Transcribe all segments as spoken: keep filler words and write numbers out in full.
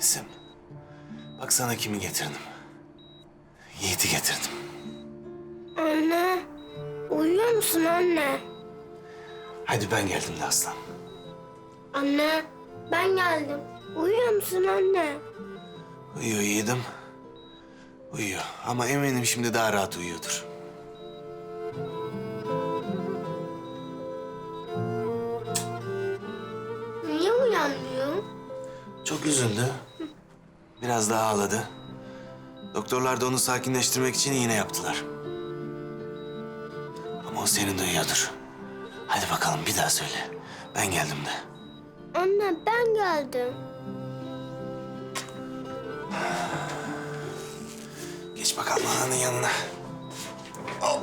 Edizim. Bak sana kimi getirdim. Yiğit'i getirdim. Anne, uyuyor musun anne? Hadi ben geldim de aslan. Anne, ben geldim. Uyuyor musun anne? Uyuyor Yiğit'im. Uyuyor ama eminim şimdi daha rahat uyuyordur. Niye uyanmıyor? Çok üzüldü. Biraz daha ağladı. Doktorlar da onu sakinleştirmek için iğne yaptılar. Ama o seni duyuyordur. Hadi bakalım bir daha söyle. Ben geldim de. Anne, ben geldim. Geç bakalım ananın yanına. Al.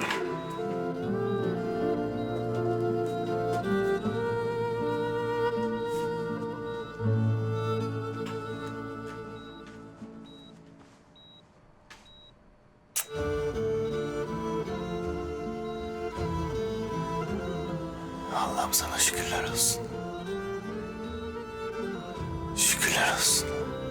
Allah'ım sana şükürler olsun. Şükürler olsun.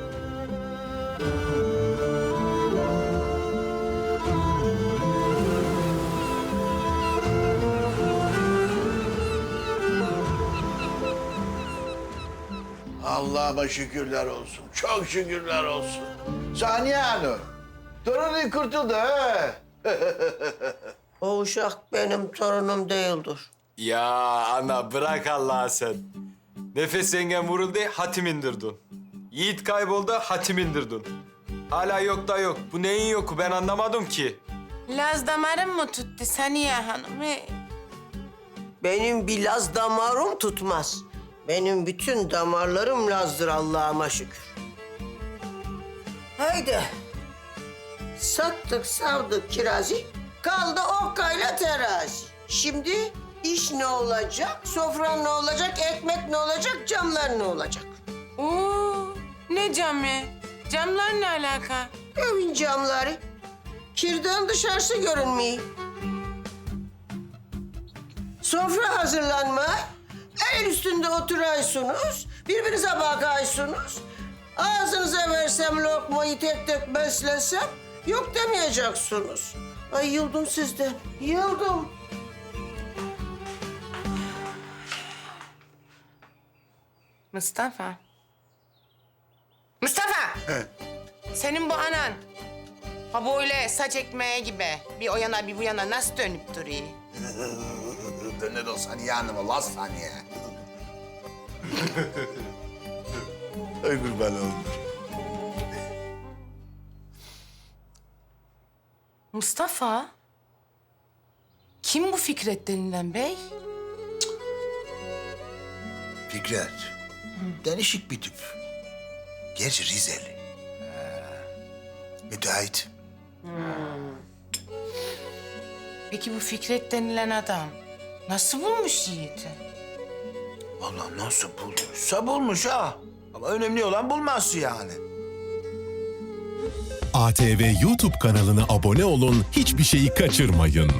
Allah'ıma şükürler olsun. Çok şükürler olsun. Saniye Hanım. Torunun kurtuldu ha. O uşak benim torunum değildir. Ya ana bırak Allah'a sen. Nefes yengen vuruldu, hatim indirdin. Yiğit kayboldu, hatim indirdin. Hala yok da yok. Bu neyin yoku ben anlamadım ki. Laz damarım mı tuttu Saniye Hanım? He. Benim bir Laz damarım tutmaz. Benim bütün damarlarım Laz'dır Allah'ıma şükür. Haydi. Sattık, savdık kirazı. Kaldı okkayla terazi. Şimdi iş ne olacak, sofran ne olacak, ekmek ne olacak, camlar ne olacak? Oo, ne camı? Camlar ne alaka? Evin camları. Kirden dışarısı görünmüyor. Sofra hazırlanma. El üstünde oturaysınız. Birbirinize bakaysınız. Ağzınıza versem lokmayı tek tek beslesem yok demeyeceksiniz. Ay yıldım sizden, yıldım. Mustafa. Mustafa! Senin bu anan ha böyle saç ekmeği gibi bir o yana bir bu yana nasıl dönüp duruyor? Döner o Saniye Hanım'a, las Saniye. Ay kurban olayım. Mustafa? Kim bu Fikret denilen bey? Fikret. Değişik bir tip. Gerçi Rizeli. Müteahhit. Peki bu Fikret denilen adam nasıl bulmuş Yiğit'i? Vallahi nasıl bulduysa bulmuş ha. Ama önemli olan bulması yani. A T V YouTube kanalına abone olun, hiçbir şeyi kaçırmayın.